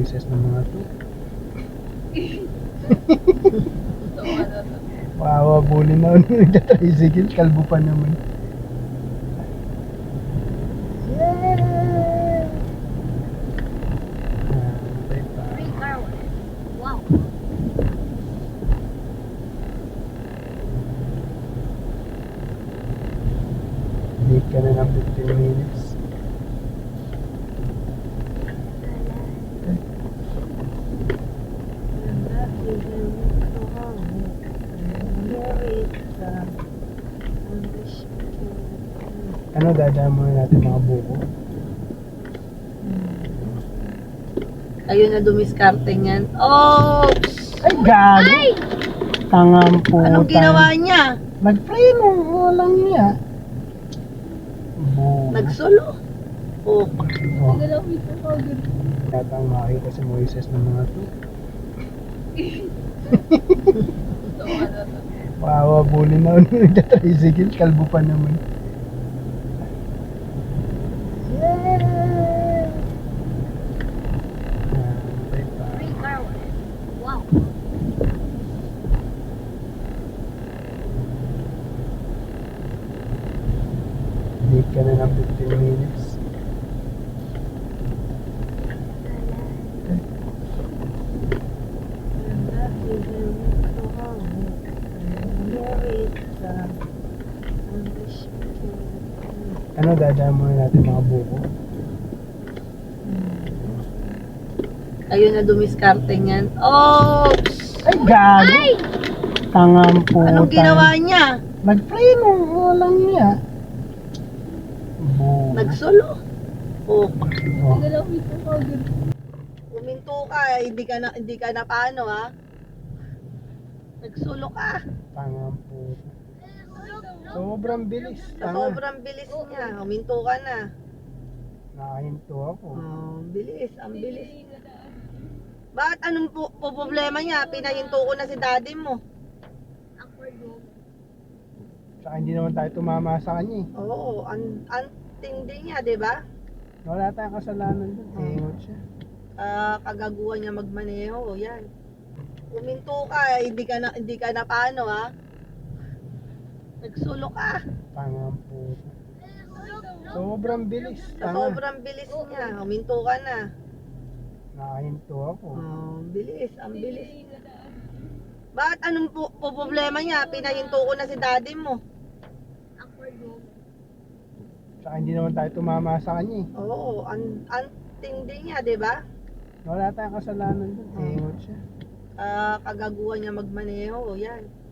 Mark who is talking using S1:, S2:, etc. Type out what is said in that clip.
S1: Moises ng mga to. Wawa, bully na ako nung nagtatricycle, kalbo pa naman.
S2: Free car wash. Wow.
S1: Late ka na ng 15 minutes. Ano, dadaan muna natin mga buko.
S3: Ayun na dumiskarte niyan. Oh!
S1: Ay, gago!
S3: Ay!
S1: Tangang po.
S3: Anong ginawa niya?
S1: Nag-preno, walang niya. Buko.
S3: Nagsolo. Oh.
S1: Oh. Yatang makita si Moises ng mga to. Wawa, bully na ako nung nagtatricycle, kalbo pa naman.
S2: Free car wash. Wow.
S1: Late ka na ng 15 minutes. Ano, dadaan muna natin mga buko.
S3: Ayun na dumiskarte niyan. Oh!
S1: Ay, gago!
S3: Ay!
S1: Tangang po.
S3: Anong ginawa niya?
S1: Nag-preno, walang niya. Buko.
S3: Nagsolo. Oh.
S1: Oh.
S3: Uminto ka, hindi ka na paano ha? Nagsulo ka.
S1: Tangang po. Sobrang bilis.
S3: Sa sobrang bilis niya, uminto ka na.
S1: Nakahinto ako.
S3: Oh, bilis, ang bilis. Bakit anong problema niya? Pinahinto ko na si daddy mo.
S1: Tsaka hindi naman tayo tumama sa kanya eh.
S3: Oo, ang tindi niya, di ba?
S1: Wala tayong kasalanan doon. Ingot siya.
S3: Kagaguhan niya magmaneho, yan. Uminto ka, hindi ka na paano ha? Nagsulo ka.
S1: Tangang po. Sobrang bilis.
S3: Sa sobrang bilis niya, uminto ka na.
S1: Nakahinto ako.
S3: Oh, bilis, ang bilis. Bakit anong problema niya? Pinahinto ko na si daddy mo.
S1: Tsaka hindi naman tayo tumama sa kanya eh.
S3: Oo, ang tindi niya, di ba?
S1: Wala tayong kasalanan doon. Ingot siya.
S3: Kagaguhan niya magmaneho, yan.